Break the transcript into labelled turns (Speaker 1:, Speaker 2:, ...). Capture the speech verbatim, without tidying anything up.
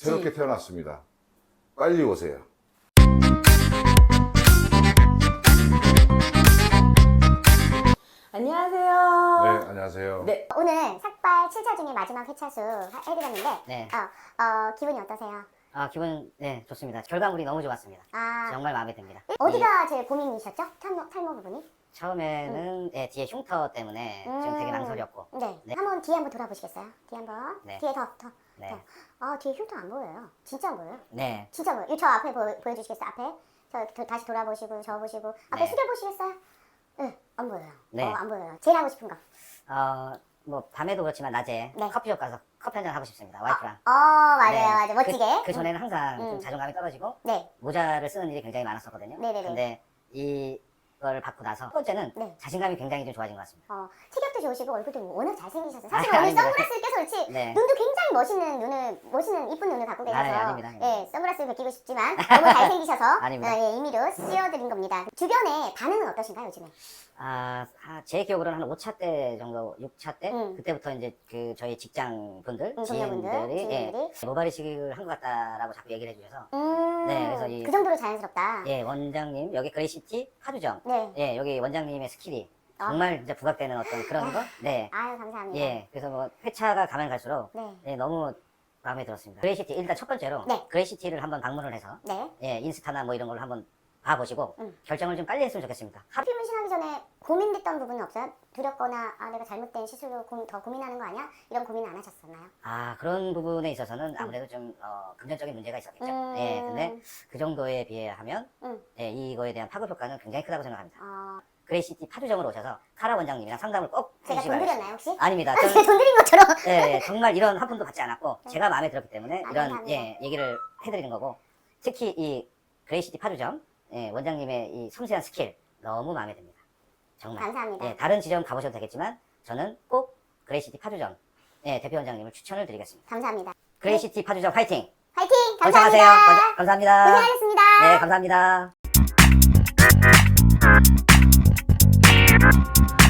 Speaker 1: 새롭게 태어났습니다. 빨리 오세요.
Speaker 2: 안녕하세요.
Speaker 1: 네, 안녕하세요.
Speaker 2: 네.
Speaker 3: 오늘 삭발 칠 차 중에 마지막 회차수 하- 해드렸는데
Speaker 4: 네.
Speaker 3: 어, 어, 기분이 어떠세요?
Speaker 4: 아, 기분, 네, 좋습니다. 결과물이 너무 좋았습니다.
Speaker 3: 아,
Speaker 4: 정말 마음에 듭니다.
Speaker 3: 어디가 제일 고민이셨죠? 탈모, 탈모 부분이?
Speaker 4: 이, 처음에는, 예, 뒤에 흉터 때문에 지금 되게
Speaker 3: 음.
Speaker 4: 망설였고.
Speaker 3: 네.
Speaker 4: 네.
Speaker 3: 한번 뒤에 한번 돌아보시겠어요? 뒤에 한번.
Speaker 4: 네.
Speaker 3: 뒤에 더, 더.
Speaker 4: 네.
Speaker 3: 더. 아, 뒤에 흉터 안 보여요. 진짜 안 보여요.
Speaker 4: 네.
Speaker 3: 진짜 보여요. 이저 앞에 보, 보여주시겠어요? 앞에? 저 도- 다시 돌아보시고, 저 보시고. 앞에
Speaker 4: 네.
Speaker 3: 숙여보시겠어요? 네, 안 보여요.
Speaker 4: 네.
Speaker 3: 어, 안 보여요. 제일 하고 싶은 거.
Speaker 4: 어, 뭐, 밤에도 그렇지만 낮에
Speaker 3: 네.
Speaker 4: 커피숍 가서 커피 한잔 하고 싶습니다. 와이프랑.
Speaker 3: 어, 맞아요,
Speaker 4: 네.
Speaker 3: 맞아요. 멋지게.
Speaker 4: 그, 그 전에는 항상
Speaker 3: 음.
Speaker 4: 좀 자존감이 떨어지고
Speaker 3: 네.
Speaker 4: 모자를 쓰는 일이 굉장히 많았었거든요.
Speaker 3: 네네네.
Speaker 4: 근데 이걸 받고 나서 첫 번째는
Speaker 3: 네.
Speaker 4: 자신감이 굉장히 좀 좋아진 것 같습니다.
Speaker 3: 어, 체격도 좋으시고 얼굴도 워낙 잘생기셨어요. 사실
Speaker 4: 아,
Speaker 3: 오늘
Speaker 4: 아닙니다.
Speaker 3: 선글라스를 껴서 그렇지
Speaker 4: 네.
Speaker 3: 눈도 굉장히 멋있는 눈을 멋있는 이쁜 눈을 갖고 계셔서
Speaker 4: 아, 아닙니다, 아닙니다.
Speaker 3: 예, 선글라스를 벗기고 싶지만 너무 잘생기셔서
Speaker 4: 아닙니다.
Speaker 3: 어, 예, 임의로 씌워드린 겁니다. 주변에 반응은 어떠신가요 요즘에?
Speaker 4: 아, 아, 제 기억으로는 한 오 차 때 정도, 육 차 때?
Speaker 3: 음.
Speaker 4: 그때부터 이제 그 저희 직장 분들,
Speaker 3: 음, 동료분들,
Speaker 4: 지인들이, 예,
Speaker 3: 지인들이.
Speaker 4: 모발 이식을 한 것 같다라고 자꾸 얘기를 해주셔서,
Speaker 3: 음,
Speaker 4: 네, 그래서 이-
Speaker 3: 그 정도로 자연스럽다.
Speaker 4: 예, 원장님, 여기 그레이시티 파주점,
Speaker 3: 네.
Speaker 4: 예, 여기 원장님의 스킬이
Speaker 3: 아.
Speaker 4: 정말 진짜 부각되는 어떤 그런 거? 네,
Speaker 3: 아유 감사합니다.
Speaker 4: 예, 그래서 뭐 회차가 가면 갈수록,
Speaker 3: 네.
Speaker 4: 예, 너무 마음에 들었습니다. 그레이시티, 일단 첫 번째로,
Speaker 3: 네.
Speaker 4: 그레이시티를 한번 방문을 해서,
Speaker 3: 네.
Speaker 4: 예, 인스타나 뭐 이런 걸로 한번 봐보시고,
Speaker 3: 음.
Speaker 4: 결정을 좀 빨리 했으면 좋겠습니다. 하-
Speaker 3: 하필 문신하기 전에 고민됐던 부분은 없어요? 두렵거나 아 내가 잘못된 시술로 고, 더 고민하는 거 아니야? 이런 고민 안 하셨었나요?
Speaker 4: 아, 그런 부분에 있어서는 아무래도 좀, 어, 금전적인 문제가 있었겠죠.
Speaker 3: 음.
Speaker 4: 예, 근데 그 정도에 비하면,
Speaker 3: 음.
Speaker 4: 예, 이거에 대한 파급 효과는 굉장히 크다고 생각합니다.
Speaker 3: 어,
Speaker 4: 그레이시티 파주점으로 오셔서 카라 원장님이랑 상담을 꼭
Speaker 3: 제가
Speaker 4: 해주시기
Speaker 3: 돈
Speaker 4: 바랍니다.
Speaker 3: 드렸나요 혹시?
Speaker 4: 아닙니다.
Speaker 3: 아,
Speaker 4: 저는,
Speaker 3: 제가 돈 드린 것처럼.
Speaker 4: 예, 예, 정말 이런 한 푼도 받지 않았고, 제가 마음에 들었기 때문에
Speaker 3: 아,
Speaker 4: 이런,
Speaker 3: 감사합니다.
Speaker 4: 예, 얘기를 해드리는 거고, 특히 이 그레이시티 파주점, 예, 원장님의 이 섬세한 스킬, 너무 마음에 듭니다. 정말.
Speaker 3: 감사합니다.
Speaker 4: 예, 다른 지점 가보셔도 되겠지만, 저는 꼭 그레이시티 파주점, 예, 대표 원장님을 추천을 드리겠습니다.
Speaker 3: 감사합니다.
Speaker 4: 그레이시티 파주점 화이팅!
Speaker 3: 화이팅!
Speaker 4: 건강하세요.
Speaker 3: 감사합니다.
Speaker 4: 건- 감사합니다.
Speaker 3: 고생하셨습니다.
Speaker 4: 네, 감사합니다.